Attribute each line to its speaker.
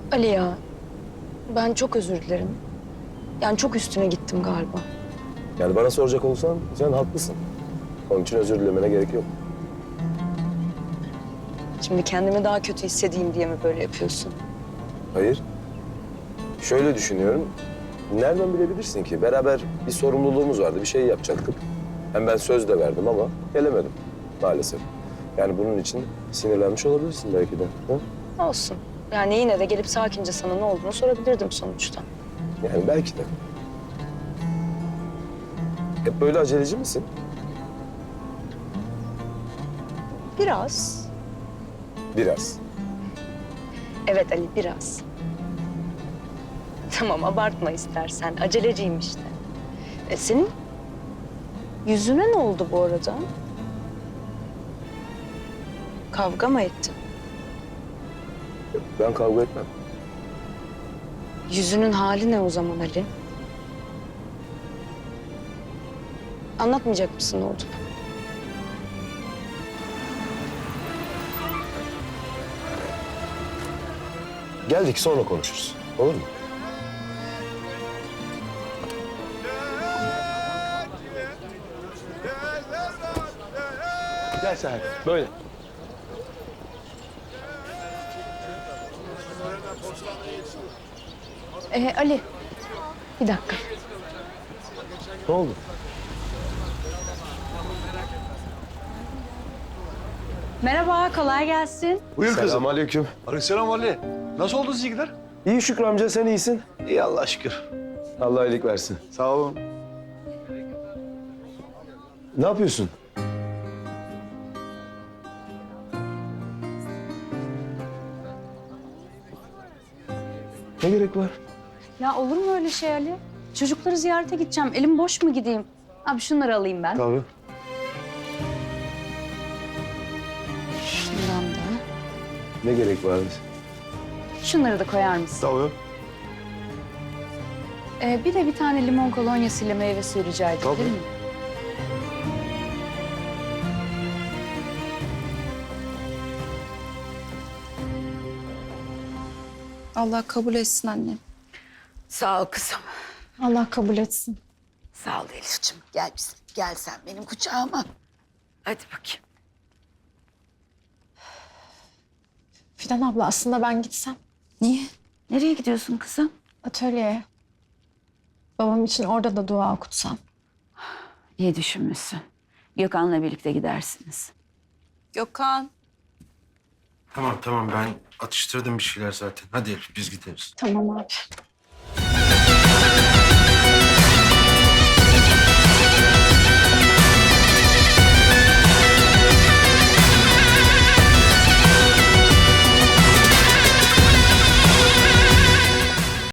Speaker 1: Ali ya, ben çok özür dilerim. Yani çok üstüne gittim galiba.
Speaker 2: Yani bana soracak olsan sen haklısın. Onun için özür dilemene gerek yok.
Speaker 1: Şimdi kendimi daha kötü hissedeyim diye mi böyle yapıyorsun?
Speaker 2: Hayır. Şöyle düşünüyorum. Nereden bilebilirsin ki? Beraber bir sorumluluğumuz vardı, bir şey yapacaktık. Hem ben söz de verdim ama gelemedim maalesef. Yani bunun için sinirlenmiş olabilirsin belki de. Ha?
Speaker 1: Olsun. Yani yine de gelip sakince sana ne olduğunu sorabilirdim sonuçta.
Speaker 2: Yani belki de. Hep böyle aceleci misin?
Speaker 1: Biraz.
Speaker 2: Biraz.
Speaker 1: Evet Ali, biraz. Tamam, abartma istersen. Aceleciyim işte. Senin yüzüne ne oldu bu arada? Kavga mı ettin?
Speaker 2: Ben kavga etmem.
Speaker 1: Yüzünün hali ne o zaman Ali? Anlatmayacak mısın ne oldu?
Speaker 2: Geldik sonra konuşuruz. Olur mu?
Speaker 3: Gel sen böyle.
Speaker 1: Ali, bir dakika.
Speaker 2: Ne oldu?
Speaker 4: Merhaba, kolay gelsin.
Speaker 3: Buyur kızım.
Speaker 2: Selamünaleyküm.
Speaker 3: Aleykümselam Ali. Nasıl oldu sizinkiler?
Speaker 2: İyi Şükrü amca, sen iyisin.
Speaker 3: İyi Allah'a şükür.
Speaker 2: Allah iyilik versin.
Speaker 3: Sağ olun.
Speaker 2: Ne yapıyorsun? Ne gerek var?
Speaker 4: Ya olur mu öyle şey Ali? Çocukları ziyarete gideceğim. Elim boş mu gideyim? Abi şunları alayım ben.
Speaker 2: Tabii.
Speaker 4: Şundan da.
Speaker 2: Ne gerek var?
Speaker 4: Şunları da koyar mısın?
Speaker 3: Tabii.
Speaker 4: Bir de bir tane limon kolonyasıyla meyve suyu rica edebilir
Speaker 2: Tabii.
Speaker 4: miyim?
Speaker 5: Allah kabul etsin annem.
Speaker 6: Sağ ol kızım.
Speaker 5: Allah kabul etsin.
Speaker 6: Sağ ol Elif'ciğim. Gel bizim. Gel sen benim kucağıma. Hadi bakayım.
Speaker 5: Fidan abla aslında ben gitsem
Speaker 6: Niye? Nereye gidiyorsun kızım?
Speaker 5: atölyeye. Babam için orada da dua okutsam.
Speaker 6: İyi düşünmüşsün. Gökhan'la birlikte gidersiniz.
Speaker 5: Gökhan.
Speaker 7: Tamam ben atıştırdım bir şeyler zaten. Hadi Elif biz gideriz.
Speaker 5: Tamam abi.